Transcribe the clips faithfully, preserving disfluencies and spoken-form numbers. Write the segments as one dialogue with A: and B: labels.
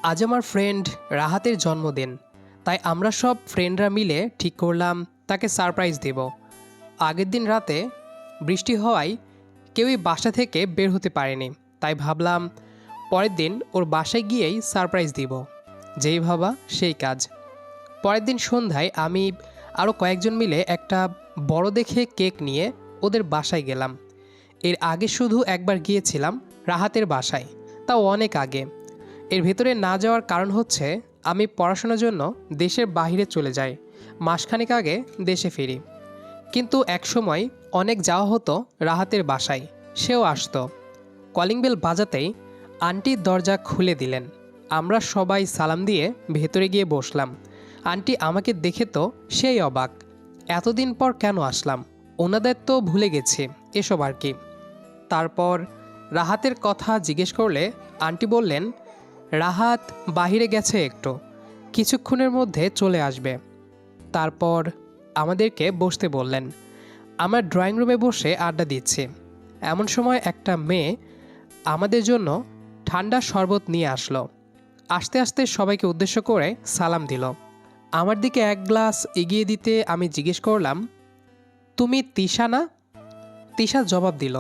A: আজ আমার ফ্রেন্ড রাহাতের জন্মদিন, তাই আমরা সব ফ্রেন্ডরা মিলে ঠিক করলাম তাকে সারপ্রাইজ দেব। আগের দিন রাতে বৃষ্টি হওয়ায় কেউই বাসা থেকে বের হতে পারেনি, তাই ভাবলাম পরের দিন ওর বাসায় গিয়েই সারপ্রাইজ দিব। যেই ভাবা সেই কাজ। পরের দিন সন্ধ্যায় আমি আরও কয়েকজন মিলে একটা বড় দেখে কেক নিয়ে ওদের বাসায় গেলাম। এর আগে শুধু একবার গিয়েছিলাম রাহাতের বাসায়, তাও অনেক আগে। এর ভেতরে না যাওয়ার কারণ হচ্ছে আমি পড়াশোনার জন্য দেশের বাইরে চলে যাই, মাসখানেক আগে দেশে ফিরি। কিন্তু একসময় অনেক যাওয়া হতো রাহাতের বাসায়, সেও আসতো। কলিং বেল বাজাতেই আন্টি দরজা খুলে দিলেন। আমরা সবাই সালাম দিয়ে ভেতরে গিয়ে বসলাম। আন্টি আমাকে দেখে তো সেই অবাক, এতদিন পর কেন আসলাম, ওনাদের তো ভুলে গেছি এসব আর কি। তারপর রাহাতের কথা জিজ্ঞেস করলে আন্টি বললেন রাহাত বাহিরে গেছে, একটু কিছুক্ষণের মধ্যে চলে আসবে। তারপর আমাদেরকে বসতে বললেন। আমরা ড্রয়িং রুমে বসে আড্ডা দিচ্ছি, এমন সময় একটা মেয়ে আমাদের জন্য ঠান্ডা শরবত নিয়ে আসলো। আস্তে আস্তে সবাইকে উদ্দেশ্য করে সালাম দিল। আমার দিকে এক গ্লাস এগিয়ে দিতে আমি জিজ্ঞেস করলাম, তুমি তিশা না? তিশা জবাব দিল,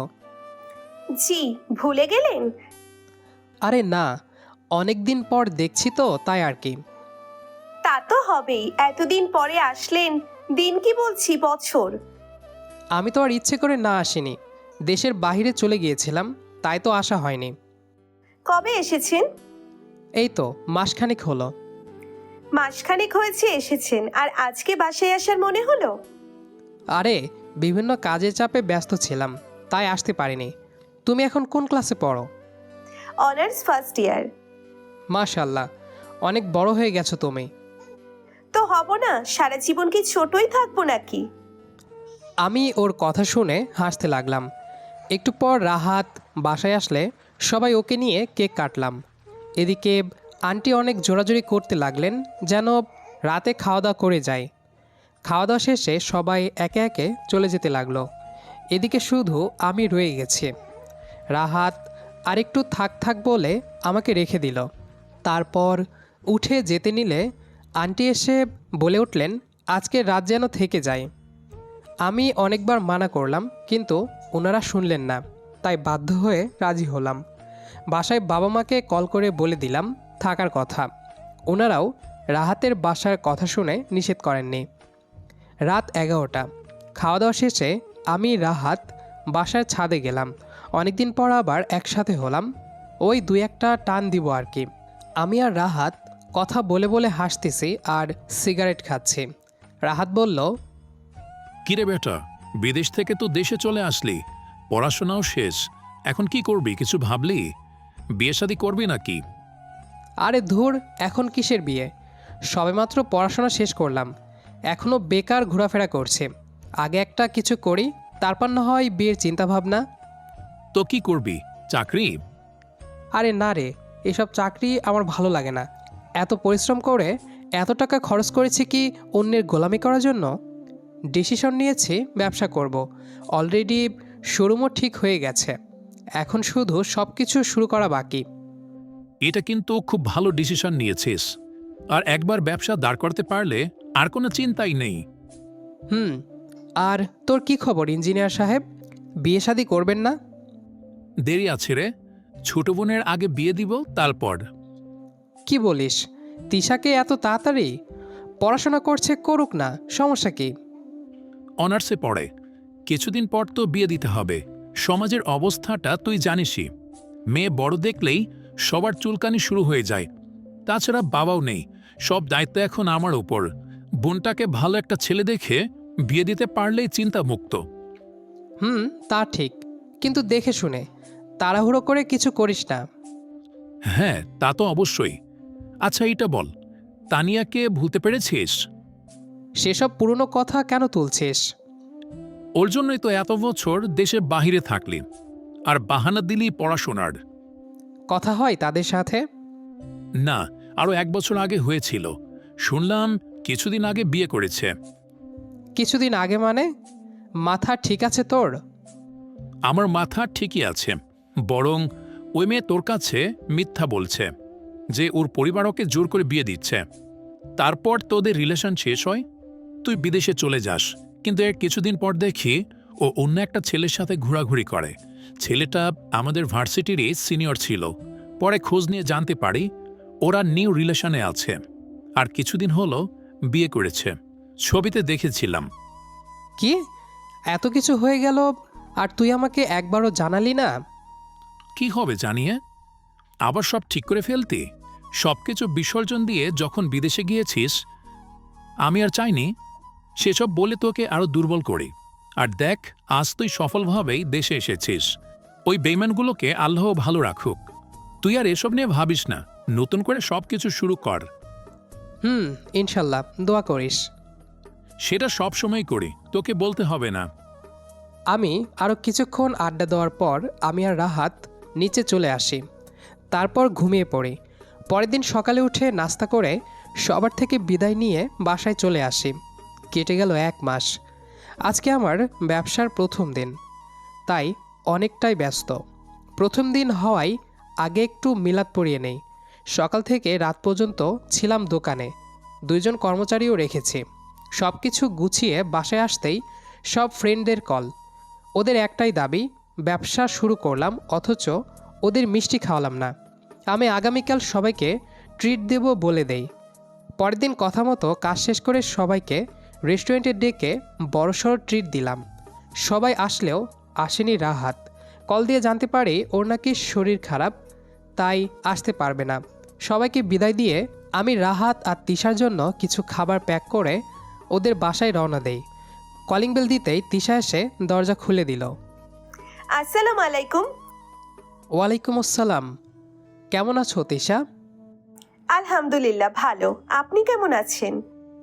B: জি, ভুলে গেলেন?
A: আরে না, অনেক দিন পর দেখছি তো তাই আর কি।
B: তা তো হবেই, এতদিন পরে আসলেন। দিন কি বলছি, বছর।
A: আমি তো আর ইচ্ছে করে না আসিনি, দেশের বাইরে চলে গিয়েছিলাম, তাই তো আসা হয়নি।
B: কবে এসেছেন?
A: এই তো মাসখানেক হলো।
B: মাসখানেক হয়েছে এসেছেন, আর আজকে বাসায় আসার মনে হলো?
A: আরে বিভিন্ন কাজের চাপে ব্যস্ত ছিলাম, তাই আসতে পারিনি। তুমি এখন কোন ক্লাসে পড়ো?
B: Honours first year.
A: মাশাল্লাহ, অনেক বড় হয়ে গেছো তুমি।
B: তো হব না, সারা জীবন কি ছোটই থাকবো নাকি?
A: আমি ওর কথা শুনে হাসতে লাগলাম। একটু পর রাহাত বাসায় আসলে সবাই ওকে নিয়ে কেক কাটলাম। এদিকে আন্টি অনেক জোরাজোরি করতে লাগলেন যেন রাতে খাওয়া দাওয়া করে যায়। খাওয়া দাওয়া শেষে সবাই একে একে চলে যেতে লাগলো। এদিকে শুধু আমি রয়ে গেছি। রাহাত আরেকটু থাক থাক বলে আমাকে রেখে দিল। তারপর উঠে যেতে নিলে আন্টি এসে বলে উঠলেন আজকে রাত যেন থেকে যায়। আমি অনেকবার মানা করলাম, কিন্তু ওনারা শুনলেন না, তাই বাধ্য হয়ে রাজি হলাম। বাসায় বাবা মাকে কল করে বলে দিলাম থাকার কথা। ওনারাও রাহাতের বাসার কথা শুনে নিষেধ করেননি। রাত এগারোটা। খাওয়া দাওয়া শেষে আমি রাহাত বাসার ছাদে গেলাম। অনেকদিন পর আবার একসাথে হলাম, ওই দুই একটা টান দিব আর কি। আমি আর রাহাত কথা বলে বলে হাসতেছি আর সিগারেট খাচ্ছি। রাহাত বলল,
C: কিরে বেটা, বিদেশ থেকে তো দেশে চলে আসলি, পড়াশোনাও শেষ, এখন কি করবি, কিছু ভাবলি? বিয়ে শাদী করবি নাকি?
A: আরে ধুর, এখন কিসের বিয়ে, সবেমাত্র পড়াশোনা শেষ করলাম, এখনও বেকার ঘোরাফেরা করছে। আগে একটা কিছু করি, তারপর না হয় বিয়ের চিন্তাভাবনা।
C: তো কি করবি, চাকরি?
A: আরে না রে, এসব চাকরি আমার ভালো লাগে না। এত পরিশ্রম করে এত টাকা খরচ করেছি কি অন্যের গোলামি করার জন্য? ডিসিশন নিয়েছি ব্যবসা করব। অলরেডি শোরুমও ঠিক হয়ে গেছে, এখন শুধু সব কিছু শুরু করা বাকি।
C: এটা কিন্তু খুব ভালো ডিসিশন নিয়েছিস, আর একবার ব্যবসা দাঁড় করতে পারলে আর কোনো চিন্তাই নেই।
A: হুম, আর তোর কি খবর ইঞ্জিনিয়ার সাহেব, বিয়ে শাদী করবেন না?
C: দেরি আছে রে, ছোট বোনের আগে বিয়ে দিব, তারপর।
A: কি বলিস, তিশাকে এত তাড়াতাড়ি? পড়াশোনা করছে, করুক না, সমস্যা কি?
C: অনার্সে পড়ে, কিছুদিন পর তো বিয়ে দিতে হবে। সমাজের অবস্থাটা তুই জানিসই, মেয়ে বড় দেখলেই সবার চুলকানি শুরু হয়ে যায়। তাছাড়া বাবাও নেই, সব দায়িত্ব এখন আমার উপর। বোনটাকে ভালো একটা ছেলে দেখে বিয়ে দিতে পারলেই চিন্তামুক্ত।
A: হুম, তা ঠিক, কিন্তু দেখে শুনে, তাড়াহুড়ো করে কিছু করিস না।
C: হ্যাঁ, তা তো অবশ্যই। আচ্ছা এইটা বল, তানিয়াকে ভুলতে পেরেছিস?
A: সেসব পুরনো কথা কেন তুলছিস?
C: ওর জন্যই তো এত বছর দেশের বাহিরে থাকলি, আর বাহানা দিলি পড়াশোনার।
A: কথা হয় তাদের সাথে?
C: না, আরও এক বছর আগে হয়েছিল। শুনলাম কিছুদিন আগে বিয়ে করেছে।
A: কিছুদিন আগে মানে? মাথা ঠিক আছে তোর?
C: আমার মাথা ঠিকই আছে, বরং ওই মেয়ে তোর কাছে মিথ্যা বলছে। যে ওর পরিবার ওকে জোর করে বিয়ে দিচ্ছে। তারপর তোদের রিলেশন শেষ হয়, তুই বিদেশে চলে যাস, কিন্তু এর কিছুদিন পর দেখি ও অন্য একটা ছেলের সাথে ঘোরাঘুরি করে। ছেলেটা আমাদের ভার্সিটিরই সিনিয়র ছিল। পরে খোঁজ নিয়ে জানতে পারি ওরা নিউ রিলেশনে আছে, আর কিছুদিন হলো বিয়ে করেছে। ছবিতে দেখেছিলাম।
A: কি এত কিছু হয়ে গেল আর তুই আমাকে একবারও জানালি না?
C: কি হবে জানিয়ে? আবার সব ঠিক করে ফেলতি? সবকিছু বিসর্জন দিয়ে যখন বিদেশে গিয়েছিস, আমি আর চাইনি সেসব বলে তোকে আরো দুর্বল করি। আর দেখ, আজ তুই সফলভাবেই দেশে এসেছিস। ওই বেইমানগুলোকে আল্লাহ ভালো রাখুক। তুই আর এসব নিয়ে ভাবিস না, নতুন করে সবকিছু শুরু কর।
A: হুম, ইনশাল্লাহ, দোয়া করিস।
C: সেটা সব সময় করি, তোকে বলতে হবে না।
A: আমি আরও কিছুক্ষণ আড্ডা দেওয়ার পর আমি আর রাহাত নিচে চলে আসি। তারপর ঘুমিয়ে পড়ি। পরের দিন সকালে উঠে নাস্তা করে সবার থেকে বিদায় নিয়ে বাসায় চলে আসি। কেটে গেল এক মাস। আজকে আমার ব্যবসার প্রথম দিন, তাই অনেকটাই ব্যস্ত। প্রথম দিন হওয়ায় আগে একটু মিলাদ পড়িয়ে নেই। সকাল থেকে রাত পর্যন্ত ছিলাম দোকানে, দুইজন কর্মচারীও রেখেছি। সব কিছু গুছিয়ে বাসায় আসতেই সব ফ্রেন্ডদের কল। ওদের একটাই দাবি, ব্যবসা শুরু করলাম অথচ ওদের মিষ্টি খাওয়ালাম না। আমি আগামীকাল সবাইকে ট্রিট দেব বলে দেই। পরের দিন কথা মতো কাজ শেষ করে সবাইকে রেস্টুরেন্টে ডেকে বড়সড় ট্রিট দিলাম। সবাই আসলেও আসেনি রাহাত। কল দিয়ে জানতে পারি ওর নাকি শরীর খারাপ, তাই আসতে পারবে না। সবাইকে বিদায় দিয়ে আমি রাহাত আর তিশার জন্য কিছু খাবার প্যাক করে ওদের বাসায় রওনা দেই। কলিং বেল দিতেই তিশা এসে দরজা খুলে দিল।
B: আসসালামু আলাইকুম।
A: ওয়ালাইকুম আসসালাম। কেমন আছো তিশা?
B: আলহামদুলিল্লাহ ভালো, আপনি কেমন আছেন?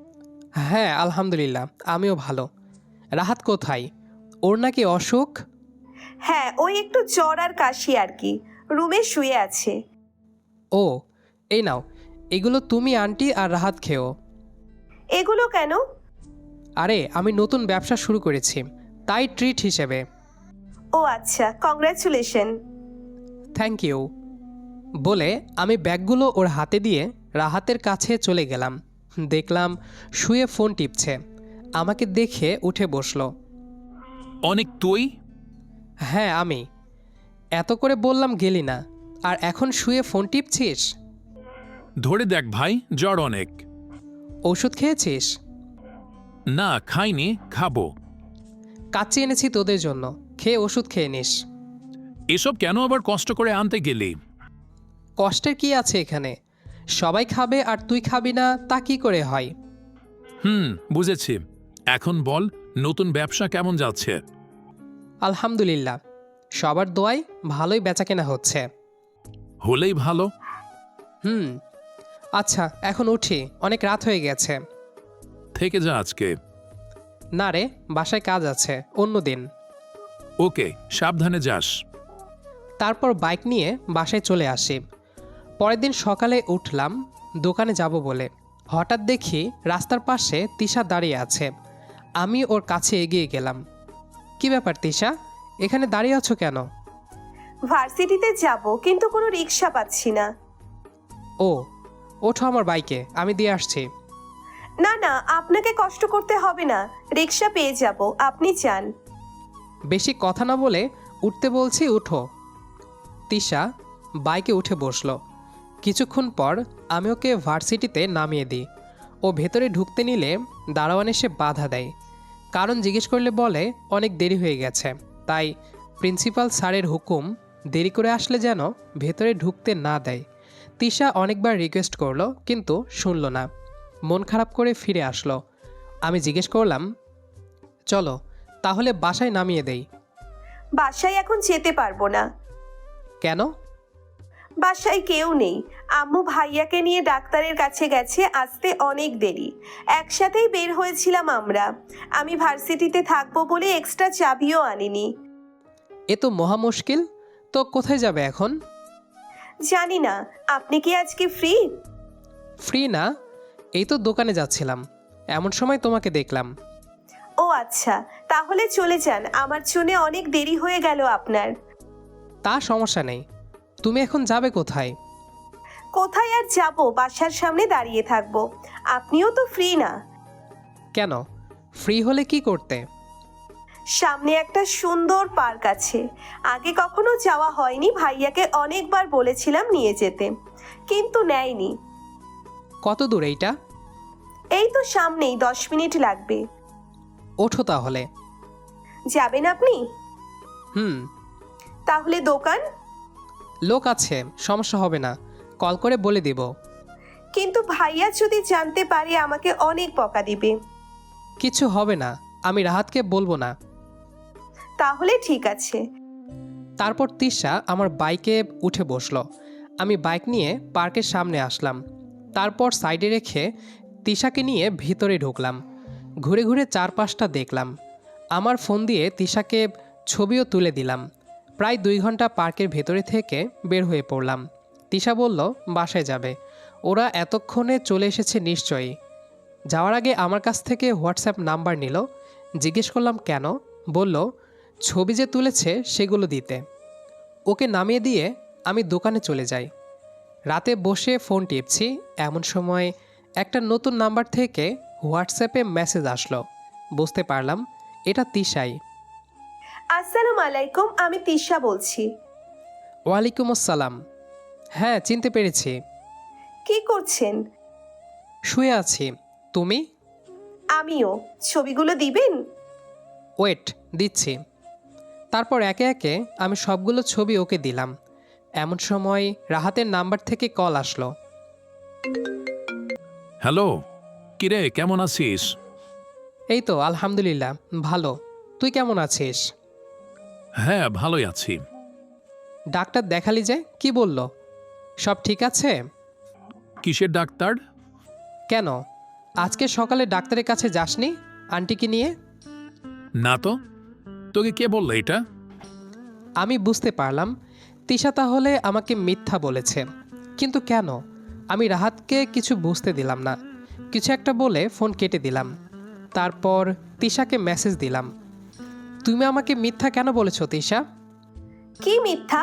A: হ্যাঁ আলহামদুলিল্লাহ, আমিও ভালো। রাহাত কোথায়? ওর নাকি অসুখ?
B: হ্যাঁ, ওই একটু জ্বর আর কাশি আর কি, রুমে শুয়ে আছে।
A: ও, এই নাও, এগুলো তুমি আন্টি আর রাহাত খেও।
B: এগুলো কেন?
A: আরে আমি নতুন ব্যবসা শুরু করেছি, তাই ট্রিট হিসেবে।
B: ও আচ্ছা, কংগ্রাচুলেশন।
A: থ্যাংক ইউ বলে আমি ব্যাগগুলো ওর হাতে দিয়ে রাহাতের কাছে চলে গেলাম। দেখলাম শুয়ে ফোন টিপছে। আমাকে দেখে উঠে বসলো।
C: অনেক তুই?
A: হ্যাঁ আমি। এত করে বললাম গেলি না, আর এখন শুয়ে ফোন টিপছিস?
C: ধরে দেখ ভাই, জ্বর অনেক।
A: ওষুধ খেয়েছিস?
C: না খাইনি, খাবো।
A: কাচ্চি এনেছি তোদের জন্য, খেয়ে ওষুধ খেয়ে নিস।
C: এসব কেন আবার কষ্ট করে আনতে গেলি?
A: কষ্টের কি আছে এখানে? সবাই খাবে আর তুই খাবি না, তা কি করে হয়?
C: হুম, বুঝেছি। এখন বল, নতুন ব্যবসা কেমন যাচ্ছে?
A: আলহামদুলিল্লাহ, সবার দোয়ায় ভালোই বেচাকেনা হচ্ছে।
C: হলেই ভালো।
A: হুম, আচ্ছা এখন উঠি, অনেক রাত হয়ে গেছে।
C: থেকে যা আজকে।
A: না রে, বাসায় কাজ আছে, অন্য দিন।
C: ওকে, সাবধানে যাস।
A: তারপর বাইক নিয়ে বাসায় চলে আসি। পরের দিন সকালে উঠলাম দোকানে যাব বলে। হঠাৎ দেখি রাস্তার পাশে তিশা দাঁড়িয়ে আছে। আমি ওর কাছে এগিয়ে গেলাম। কি ব্যাপার তিশা, এখানে দাঁড়িয়ে আছো কেন?
B: ভার্সিটিতে যাব, কিন্তু কোনো রিক্সা পাচ্ছি না।
A: ও, ওঠো আমার বাইকে, আমি দিয়ে আসছি।
B: না না, আপনাকে কষ্ট করতে হবে না, রিক্সা পেয়ে যাব, আপনি চান।
A: বেশি কথা না বলে উঠতে বলছি, উঠো। তিশা বাইকে উঠে বসলো। কিছুক্ষণ পর আমি ওকে ভার্সিটিতে নামিয়ে দিই। ও ভেতরে ঢুকতে নিলে দারোয়ান এসে বাধা দেয়। কারণ জিজ্ঞেস করলে বলে অনেক দেরি হয়ে গেছে, তাই প্রিন্সিপাল স্যারের হুকুম দেরি করে আসলে যেন ভেতরে ঢুকতে না দেয়। তিশা অনেকবার রিকোয়েস্ট করলো, কিন্তু শুনল না। মন খারাপ করে ফিরে আসলো। আমি জিজ্ঞেস করলাম, চলো তাহলে বাসায় নামিয়ে দেই।
B: বাসায় এখন যেতে পারবো না।
A: কেন?
B: বাসায় কেউ নেই, আম্মু ভাইয়াকে নিয়ে ডাক্তারের কাছে গেছে, আসতে অনেক দেরি। একসাথেই বের হয়েছিলাম আমরা। আমি ভার্সিটিতে থাকবো বলে এক্সট্রা চাবিও আনিনি।
A: এ তো মহা মুশকিল। তো কোথায় যাবে এখন?
B: জানি না, আপনি কি আজকে ফ্রি?
A: ফ্রি না, এই তো দোকানে যাচ্ছিলাম, এমন সময় তোমাকে দেখলাম।
B: ও আচ্ছা, তাহলে চলে যান, আমার জন্য অনেক দেরি হয়ে গেল আপনার।
A: তা সমস্যা নেই, তুমি এখন যাবে কোথায়?
B: কোথায় আর যাব, বাসার সামনে দাঁড়িয়ে থাকবো। আপনিও তো ফ্রি না।
A: কেন? ফ্রি হলে কি করতে?
B: সামনে একটা সুন্দর পার্ক আছে, আগে কখনো যাওয়া হয়নি। ভাইয়াকে অনেকবার বলেছিলাম নিয়ে যেতে, কিন্তু নেয়নি।
A: কত দূর এইটা?
B: এই তো সামনেই, দশ মিনিট লাগবে।
A: ওঠো তাহলে।
B: যাবেন আপনি?
A: হুম।
B: তাহলে দোকান?
A: লোক আছে, সমস্যা হবে না, কল করে বলে দিব।
B: কিন্তু ভাইয়া যদি জানতে পারে আমাকে অনেক বকা দিবে।
A: কিছু হবে না, আমি রাহাতকে বলবো না।
B: তাহলে ঠিক আছে।
A: তারপর তিশা আমার বাইকে উঠে বসলো। আমি বাইক নিয়ে পার্কের সামনে আসলাম। তারপর সাইডে রেখে তিশাকে নিয়ে ভিতরে ঢুকলাম। ঘুরে ঘুরে চারপাশটা দেখলাম। আমার ফোন দিয়ে তিশাকে ছবিও তুলে দিলাম। প্রায় দুই ঘন্টা পার্কের ভেতরে থেকে বের হয়ে পড়লাম। তিশা বলল বাসায় যাবে, ওরা এতক্ষণে চলে এসেছে নিশ্চয়ই। যাওয়ার আগে আমার কাছ থেকে হোয়াটসঅ্যাপ নাম্বার নিল। জিজ্ঞেস করলাম কেন? বলল ছবি যে তুলেছে সেগুলো দিতে। ওকে নামিয়ে দিয়ে আমি দোকানে চলে যাই। রাতে বসে ফোন টিপছি, এমন সময় একটা নতুন নাম্বার থেকে হোয়াটসঅ্যাপে মেসেজ আসলো। বুঝতে পারলাম এটা তিশাই।
B: আসসালামু আলাইকুম, আমি তিশা বলছি।
A: ওয়ালাইকুম আসসালাম। হ্যাঁ, চিনতে পেরেছি।
B: কি করছেন?
A: শুয়ে আছি। তুমি?
B: আমিও। ছবিগুলো দিবেন?
A: ওয়েট, দিচ্ছি। তারপর একে একে আমি সবগুলো ছবি ওকে দিলাম। এমন সময় রাহাতের নাম্বার থেকে কল আসলো।
C: হ্যালো, কিরে কেমন আছিস?
A: এই তো আলহামদুলিল্লাহ ভালো। তুই কেমন আছিস?
C: হ্যাঁ, ভালোই আছি।
A: ডাক্তার দেখালি যে, কি বলল? সব ঠিক আছে?
C: কিসের ডাক্তার?
A: কেন আজকে সকালে ডাক্তারের কাছে যাসনি আন্টিকে নিয়ে?
C: না তো, তোকে কে বললো এটা?
A: আমি বুঝতে পারলাম তিশা তাহলে আমাকে মিথ্যা বলেছে। কিন্তু কেন? আমি রাহাতকে কিছু বুঝতে দিলাম না। কিছু একটা বলে ফোন কেটে দিলাম। তারপর তিশাকে মেসেজ দিলাম, তুমি আমাকে মিথ্যা কেন বলেছো তিশা?
B: কি মিথ্যা?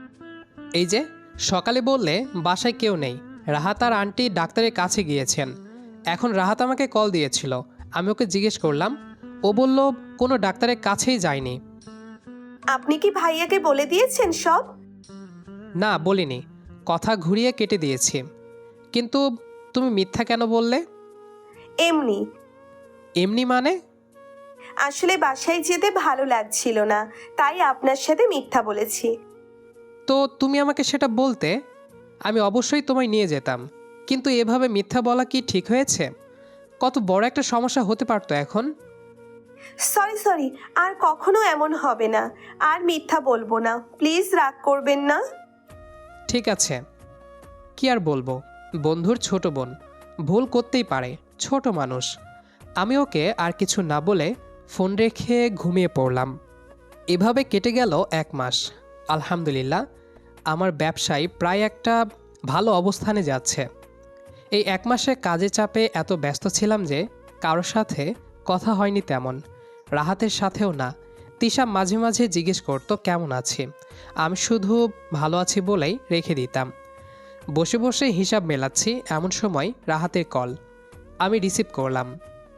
A: এই যে সকালে বললে বাসায় কেউ নেই, রাহাত আর আন্টি ডাক্তারের কাছে গিয়েছেন। এখন রাহাত আমাকে কল দিয়েছিল, আমি ওকে জিজ্ঞেস করলাম, ও বলল কোনো ডাক্তারের কাছেই যায়নি।
B: আপনি কি ভাইয়াকে বলে দিয়েছেন সব?
A: না বলিনি, কথা ঘুরিয়ে কেটে দিয়েছি। কিন্তু তুমি মিথ্যা কেন বললে?
B: এমনি।
A: এমনি মানে?
B: আসলে বাসায় যেতে ভালো লাগছিল না, তাই আপনার সাথে মিথ্যা বলেছি।
A: তো তুমি আমাকে সেটা বলতে, আমি অবশ্যই তোমায় নিয়ে যেতাম। কিন্তু এভাবে মিথ্যা বলা কি ঠিক হয়েছে? কত বড় একটা সমস্যা হতে পারতো এখন।
B: সরি সরি, আর কখনো এমন হবে না। আর মিথ্যা বলবো না, প্লিজ রাগ করবেন না।
A: ঠিক আছে, কি আর বলবো, বন্ধুর ছোট বোন, ভুল করতেই পারে, ছোট মানুষ। আমি ওকে আর কিছু না বলে ফোন রেখে ঘুমিয়ে পড়লাম। এভাবে কেটে গেল এক মাস। আলহামদুলিল্লাহ, আমার ব্যবসায় প্রায় একটা ভালো অবস্থানে যাচ্ছে। এই এক মাসে কাজে চাপে এত ব্যস্ত ছিলাম যে কারোর সাথে কথা হয়নি তেমন, রাহাতের সাথেও না। তিশা মাঝে মাঝে জিজ্ঞেস করতো কেমন আছি, আমি শুধু ভালো আছি বলেই রেখে দিতাম। বসে বসে হিসাব মেলাচ্ছি, এমন সময় রাহাতের কল। আমি রিসিভ করলাম।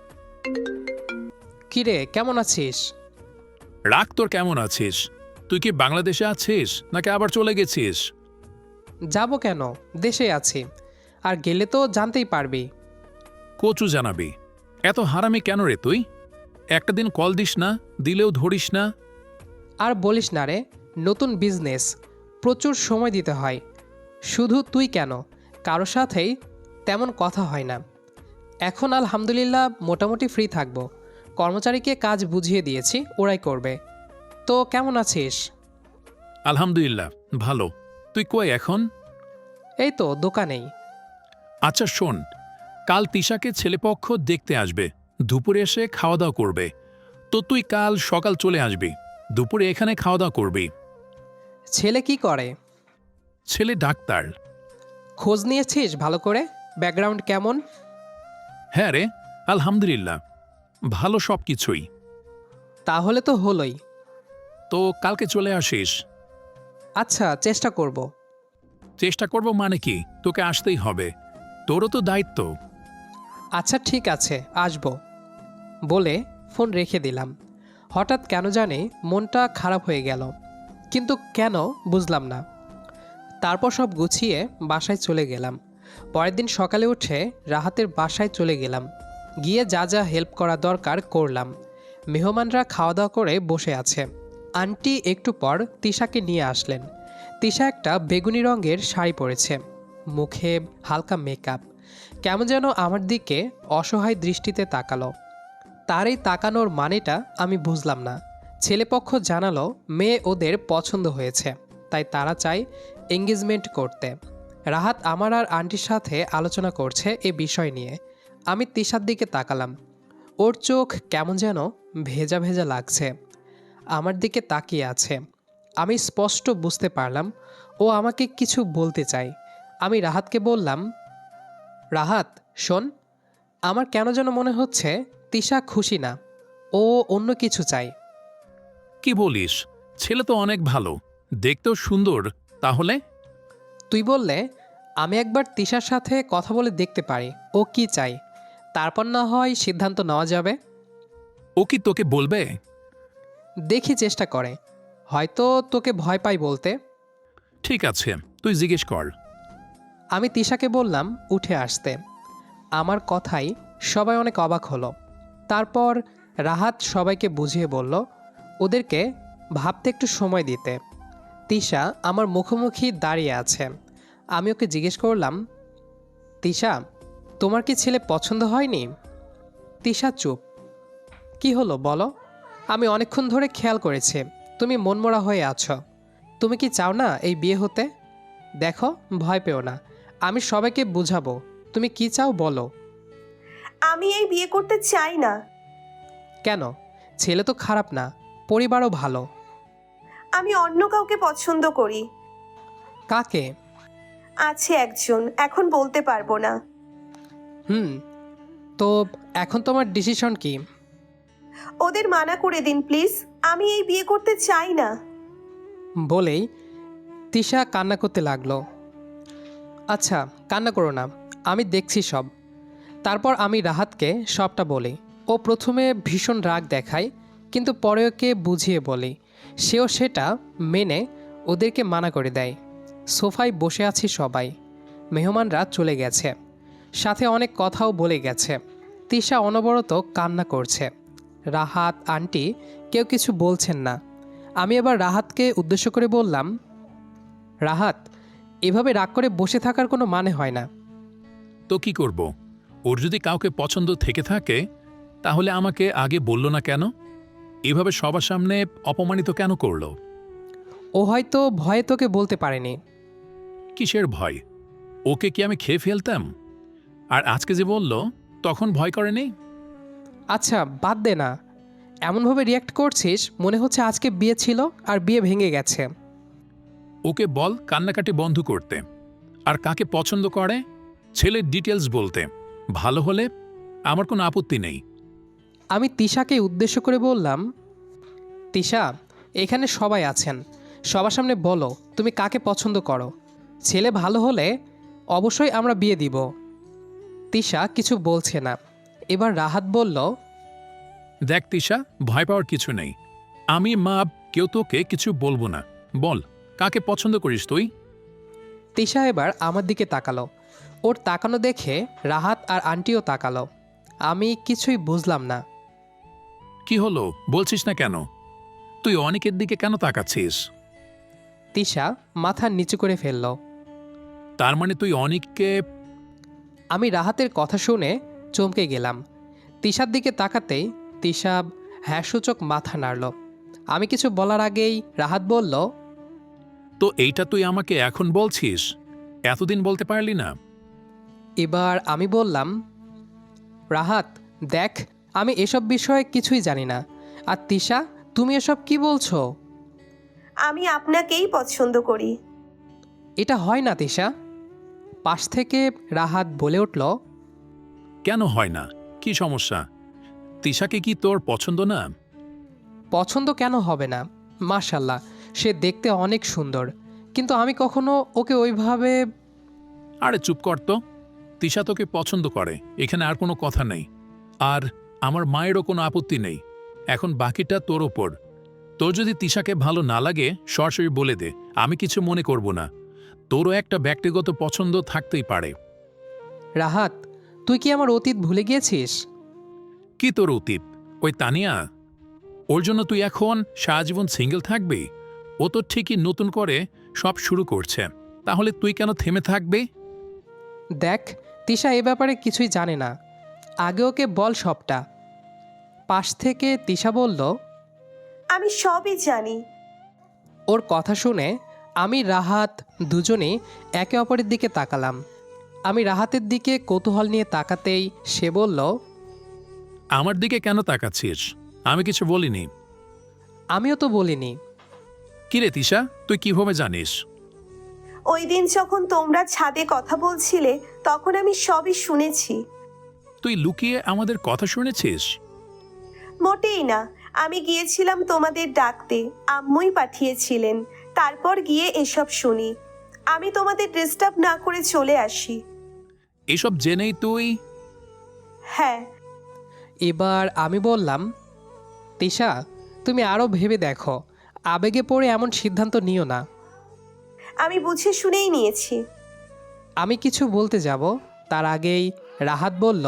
A: কিরে কেমন আছিস?
C: রাগ তোর, কেমন আছিস? তুই কি বাংলাদেশে আছিস নাকি আবার চলে গেছিস?
A: যাব কেন, দেশে আছি। আর গেলে তো জানতেই পারবি।
C: কচু জানাবি। এত হারামি কেন রে তুই? একটা দিন কল দিস না, দিলেও ধরিস না।
A: আর বলিস না রে, নতুন বিজনেস, প্রচুর সময় দিতে হয়। শুধু তুই কেন, কারো সাথেই তেমন কথা হয় না। এখন আলহামদুলিল্লাহ মোটামুটি ফ্রি থাকবো। কর্মচারীকে কাজ বুঝিয়ে দিয়েছি, ওরাই করবে। তো কেমন আছিস?
C: আলহামদুলিল্লাহ ভালো। তুই কই এখন?
A: এই তো দোকানেই।
C: আচ্ছা শোন, কাল তিশাকে ছেলেপক্ষ দেখতে আসবে, দুপুরে এসে খাওয়া দাওয়া করবে। তো তুই কাল সকাল চলে আসবি, দুপুরে এখানে খাওয়া দাওয়া করবি।
A: ছেলে কি করে?
C: ছেলে ডাক্তার।
A: খোঁজ নিয়েছিস ভালো করে, ব্যাকগ্রাউন্ড কেমন?
C: হ্যাঁ রে, আলহামদুলিল্লাহ ভালো সব কিছুই।
A: তাহলে তো হলোই।
C: তো কালকে চলে আসিস।
A: আচ্ছা চেষ্টা করব।
C: চেষ্টা করব মানে কি, তোকে আসতেই হবে, তোরও তো দায়িত্ব।
A: আচ্ছা ঠিক আছে, আসবো বলে ফোন রেখে দিলাম। হঠাৎ কেন জানি মনটা খারাপ হয়ে গেল, কিন্তু কেন বুঝলাম না। তারপর সব গুছিয়ে বাসায় চলে গেলাম। পরের দিন সকালে উঠে রাহাতের বাসায় চলে গেলাম। গিয়ে যা যা হেল্প করা দরকার করলাম। মেহমানরা খাওয়া দাওয়া করে বসে আছে। আন্টি একটু পর তিশাকে নিয়ে আসলেন। তিশা একটা বেগুনি রঙের শাড়ি পরেছে, মুখে হালকা মেকআপ, কেমন যেন আমার দিকে অসহায় দৃষ্টিতে তাকালো। তার এই তাকানোর মানেটা আমি বুঝলাম না। ছেলেপক্ষ জানালো মেয়ে ওদের পছন্দ হয়েছে, তাই তারা চায় এঙ্গেজমেন্ট করতে। রাহাত আমার আর আন্টির সাথে আলোচনা করছে এ বিষয় নিয়ে। আমি তিশার দিকে তাকালাম। ওর চোখ কেমন যেন ভেজা ভেজা লাগছে, আমার দিকে তাকিয়ে আছে। আমি স্পষ্ট বুঝতে পারলাম ও আমাকে কিছু বলতে চায়। আমি রাহাতকে বললাম, রাহাত শোন, আমার কেন যেন মনে হচ্ছে তিশা খুশি না, ও অন্য কিছু চাই।
C: কি বলিস? ছেলে তো অনেক ভালো, দেখতেও সুন্দর। তাহলে
A: তুই বললে আমি একবার তিশার সাথে কথা বলে দেখতে পারি ও কি চাই, তারপর না হয় সিদ্ধান্ত নেওয়া যাবে।
C: ও কি তোকে বলবে?
A: দেখি চেষ্টা করে, হয়তো তোকে ভয় পাই বলতে।
C: ঠিক আছে, তুই জিজ্ঞেস কর।
A: আমি তিশাকে বললাম উঠে আসতে। আমার কথাই সবাই অনেক অবাক হলো। তারপর রাহাত সবাইকে বুঝিয়ে বলল ওদেরকে ভাবতে একটু সময় দিতে। তিশা আমার মুখোমুখি দাঁড়িয়ে আছে। আমি ওকে জিজ্ঞেস করলাম, তিশা তোমার কি ছেলে পছন্দ হয়নি? তিশা চুপ। কি হলো বলো? আমি অনেকক্ষণ ধরে খেয়াল করেছি তুমি মনমরা হয়ে আছো। তুমি কি চাও না এই বিয়ে হতে? দেখো, ভয় পেও না, আমি সবাইকে বুঝাবো। তুমি কি চাও বলো।
B: আমি এই বিয়ে করতে চাই না।
A: কেন? ছেলে তো খারাপ না, পরিবারও ভালো।
B: আমি অন্য কাউকে পছন্দ করি।
A: কাকে?
B: আছে একজন, এখন বলতে পারবো না।
A: হুম, তো এখন তোমার ডিসিশন কি?
B: ওদের মানা করে দিন প্লিজ, আমি এই বিয়ে করতে চাই না।
A: বলেই তিশা কান্না করতে লাগলো। আচ্ছা কান্না করো না, আমি দেখছি সব। তারপর আমি রাহাতকে সবটা বলি। ও প্রথমে ভীষণ রাগ দেখায়, কিন্তু পরে ওকে বুঝিয়ে বলি। সেও সেটা মেনে ওদেরকে মানা করে দেয়। সোফায় বসে আছি সবাই, মেহমানরা চলে গেছে, সাথে অনেক কথাও বলে গেছে। তিশা অনবরত কান্না করছে। রাহাত আন্টি কেউ কিছু বলছেন না। আমি এবার রাহাতকে উদ্দেশ্য করে বললাম, রাহাত এভাবে রাগ করে বসে থাকার কোনো মানে হয় না।
C: তো কি করব? ওর যদি কাউকে পছন্দ থেকে থাকে তাহলে আমাকে আগে বলল না কেন? এভাবে সবার সামনে অপমানিত কেন করলো?
A: ও হয়তো ভয়ে তোকে বলতে পারেনি।
C: কিসের ভয়? ওকে কি আমি খেয়ে ফেলতাম? আর আজকে যে বলল তখন ভয় করেনি?
A: আচ্ছা বাদ দে না, এমনভাবে রিয়াক্ট করছিস মনে হচ্ছে আজকে বিয়ে ছিল আর বিয়ে ভেঙে গেছে।
C: ওকে বল কান্নাকাটি বন্ধ করতে, আর কাকে পছন্দ করে ছেলের ডিটেলস বলতে। ভালো হলে আমার কোনো আপত্তি নেই।
A: আমি তিশাকে উদ্দেশ্য করে বললাম, তিশা এখানে সবাই আছেন, সবার সামনে বলো তুমি কাকে পছন্দ করো। ছেলে ভালো হলে অবশ্যই আমরা বিয়ে দিব। তিশা কিছু বলছে না। এবার রাহাত বলল,
C: দেখ তিশা, ভয় পাওয়ার কিছু নেই। আমি মা কেউ তোকে কিছু বলবো না। বল কাকে পছন্দ করিস তুই?
A: তিশা এবার আমার দিকে তাকালো। ওর তাকানো দেখে রাহাত আর আন্টিও তাকালো। আমি কিছুই বুঝলাম না।
C: কি হলো বলছিস না কেন? তুই অনেকের দিকে কেন তাকাচ্ছিস?
A: তিশা মাথা নিচু করে ফেলল।
C: তার মানে তুই অনেককে?
A: আমি রাহাতের কথা শুনে চমকে গেলাম। তিশার দিকে তাকাতেই তিশা হ্যাঁসূচক মাথা নাড়ল। আমি কিছু বলার আগেই রাহাত বলল,
C: তো এইটা তুই আমাকে এখন বলছিস? এতদিন বলতে পারলি না?
A: এবার আমি বললাম, রাহাত দেখ, আমি এসব বিষয়ে কিছুই জানি না। আর তিশা তুমি এসব কি বলছো?
B: আমি আপনাকেই পছন্দ করি।
A: এটা হয় না তিশা। পাশ থেকে রাহাত বলে উঠল,
C: কেন হয় না? কি সমস্যা? তিশাকে কি তোর পছন্দ না?
A: পছন্দ কেন হবে না? মাশাল্লাহ, সে দেখতে অনেক সুন্দর, কিন্তু আমি কখনো ওকে ওইভাবে।
C: আরে চুপ কর তো। তিশা তোকে পছন্দ করে, এখানে আর কোনো কথা নেই। আর আমার মায়েরও কোনো আপত্তি নেই। এখন বাকিটা তোর ওপর। তোর যদি তিশাকে ভালো না লাগে সরাসরি বলে দে, আমি কিছু মনে করব না। তোরও একটা ব্যক্তিগত পছন্দ থাকতেই পারে।
A: রাহাত, তুই কি আমার অতীত ভুলে গিয়েছিস?
C: কি তোর অতীত? ওই তানিয়া? ওর জন্য তুই এখন সারাজীবন সিঙ্গেল থাকবি? ও তো ঠিকই নতুন করে সব শুরু করছে, তাহলে তুই কেন থেমে থাকবি?
A: দেখ, তিশা এ ব্যাপারে কিছুই জানে না। আগে ওকে বল সবটা। পাশ থেকে তিশা বলল,
B: আমি সবই জানি।
A: ওর কথা শুনে আমি রাহাত দুজনেই একে অপরের দিকে তাকালাম। আমি রাহাতের দিকে কৌতূহল নিয়ে তাকাতেই সে বলল,
C: আমার দিকে কেন তাকাচ্ছিস? আমি কিছু বলিনি।
A: আমিও তো বলিনি।
C: কিরে তিশা, তুই কিভাবে জানিস?
B: ওই দিন যখন তোমরা ছাদে কথা বলছিলে তখন আমি সবই শুনেছি।
C: তুই লুকিয়ে আমাদের কথা শুনেছিস?
B: মোটেই না, আমি গিয়েছিলাম তোমাদের ডাকতে, আম্মুই পাঠিয়েছিলেন। তারপর গিয়ে এসব শুনি। আমি তোমাদের ডিস্টার্ব না করে চলে আসি।
C: এসব জেনেই তুই?
B: হ্যাঁ।
A: এবার আমি বললাম, তিশা, তুমি আরও ভেবে দেখো, আবেগে পড়ে এমন সিদ্ধান্ত নিও না।
B: আমি বুঝে শুনেই নিয়েছি।
A: আমি কিছু বলতে যাব তার আগেই রাহাত বলল,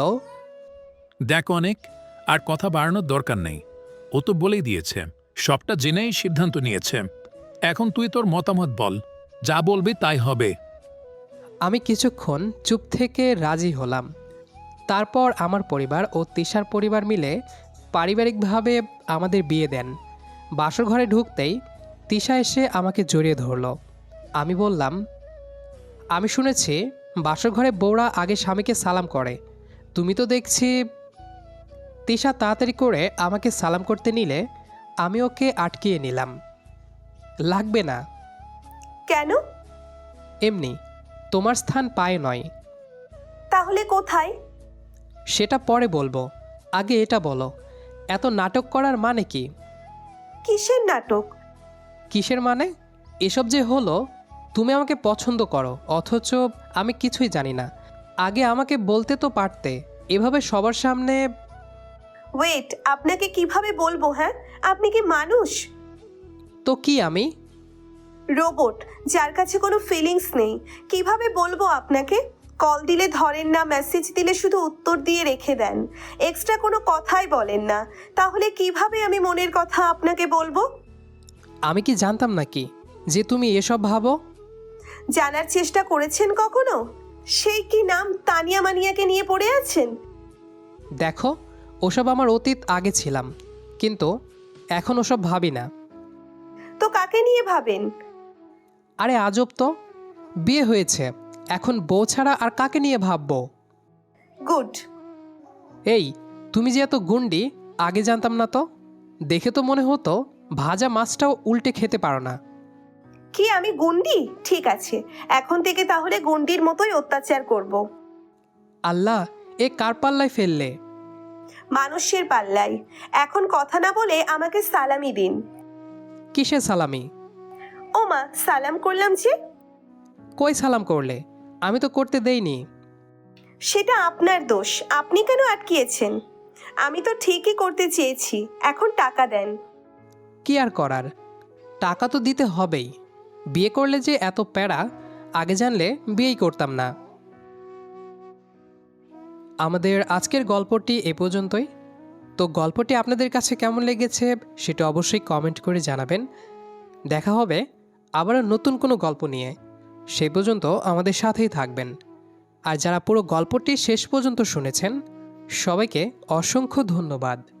C: দেখ অনেক, আর কথা বাড়ানোর দরকার নেই। ও তো বলেই দিয়েছে, সবটা জেনেই সিদ্ধান্ত নিয়েছে। এখন তুই তোর মতামত বল, যা বলবি তাই হবে।
A: আমি কিছুক্ষণ চুপ থেকে রাজি হলাম। তারপর আমার পরিবার ও তিশার পরিবার মিলে পারিবারিকভাবে আমাদের বিয়ে দেন। বাসর ঘরে ঢুকতেই তিশা এসে আমাকে জড়িয়ে ধরল। আমি বললাম, আমি শুনেছি বাসর ঘরে বউরা আগে স্বামীকে সালাম করে, তুমি তো দেখছি। তিশা তাড়াতাড়ি করে আমাকে সালাম করতে নিলে আমি ওকে আটকিয়ে নিলাম। লাগবে না।
B: কেন?
A: এমনি, তোমার স্থান পায়ে নয়।
B: তাহলে কোথায়?
A: সেটা পরে বলবো, আগে এটা বলো, এত নাটক করার মানে কি?
B: কিসের নাটক?
A: কিসের মানে? এসব যে হলো, তুমি আমাকে পছন্দ করো অথচ আমি কিছুই জানি না। আগে আমাকে বলতে তো পারতে, এভাবে সবার সামনে।
B: ওয়েট, আপনাকে কিভাবে বলবো? হ্যাঁ, আপনি কি মানুষ?
A: তো কি আমি?
B: রোবট, যার কাছে কোনো ফিলিংস নেই। কিভাবে বলবো আপনাকে? কল দিলে ধরেন না, মেসেজ দিলে শুধু উত্তর দিয়ে রেখে দেন, এক্সট্রা কোনো কথাই বলেন না। তাহলে কিভাবে আমি মনের কথা আপনাকে বলবো?
A: আমি কি জানতাম নাকি যে তুমি এসব ভাবো?
B: জানার চেষ্টা করেছেন কখনো? সেই কি নাম তানিয়া মানিয়াকে নিয়ে পড়ে আছেন?
A: দেখো, ওসব আমার অতীত, আগে ছিলাম, কিন্তু এখন ওসব ভাবি না।
B: তো কাকে নিয়ে ভাবেন?
A: আরে আজব তো, বিয়ে হয়েছে, এখন বউ ছাড়া আর কাকে নিয়ে ভাববো?
B: গুড।
A: এই, তুমি যে এত গুন্ডি আগে জানতাম না তো। দেখে তো মনে হতো ভাজা মাছটাও উল্টে খেতে পারো না।
B: কি আমি গুন্ডি? ঠিক আছে, এখন থেকে তাহলে গুন্ডির মতোই অত্যাচার করব।
A: আল্লাহ, এ কার পাল্লায় ফেললে?
B: মানুষের পাল্লাই। এখন কথা না বলে আমাকে সালামি দিন।
A: কিসে সালামি?
B: ও মা, সালাম করলাম যে।
A: কই সালাম করলে? আমি তো করতে দেইনি।
B: সেটা আপনার দোষ, আপনি কেন আটকিয়েছেন? আমি তো ঠিকই করতে চেয়েছি, এখন টাকা দেন।
A: কি আর করার, টাকা তো দিতে হবেই। বিয়ে করলে যে এত প্যারা, আগে জানলে বিয়েই করতাম না। আমাদের আজকের গল্পটি এ পর্যন্তই। তো গল্পটি আপনাদের কাছে কেমন লেগেছে সেটা অবশ্যই কমেন্ট করে জানাবেন। দেখা হবে আবারও নতুন কোনো গল্প নিয়ে। সেই পর্যন্ত আমাদের সাথেই থাকবেন। আর যারা পুরো গল্পটি শেষ পর্যন্ত শুনেছেন, সবাইকে অসংখ্য ধন্যবাদ।